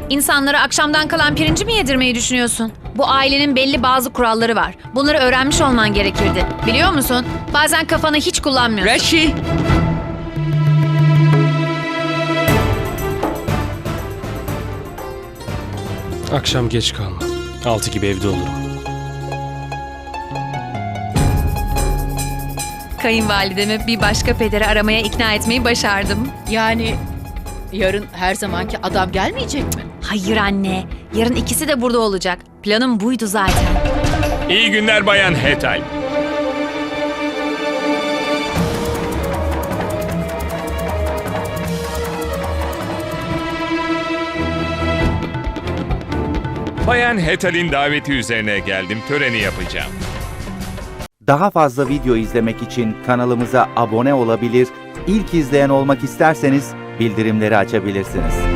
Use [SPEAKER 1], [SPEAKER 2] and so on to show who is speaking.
[SPEAKER 1] İnsanlara akşamdan kalan pirinci mi yedirmeyi düşünüyorsun? Bu ailenin belli bazı kuralları var. Bunları öğrenmiş olman gerekirdi. Biliyor musun? Bazen kafanı hiç kullanmıyorsun.
[SPEAKER 2] Rashi!
[SPEAKER 3] Akşam geç kalma. 6 gibi evde olurum.
[SPEAKER 1] Kayınvalidemi bir başka pederi aramaya ikna etmeyi başardım.
[SPEAKER 4] Yani yarın her zamanki adam gelmeyecek mi?
[SPEAKER 1] Hayır anne. Yarın ikisi de burada olacak. Planım buydu zaten.
[SPEAKER 5] İyi günler Bayan Hetal. Bayan Hetal'in daveti üzerine geldim. Töreni yapacağım.
[SPEAKER 6] Daha fazla video izlemek için kanalımıza abone olabilir, ilk izleyen olmak isterseniz bildirimleri açabilirsiniz.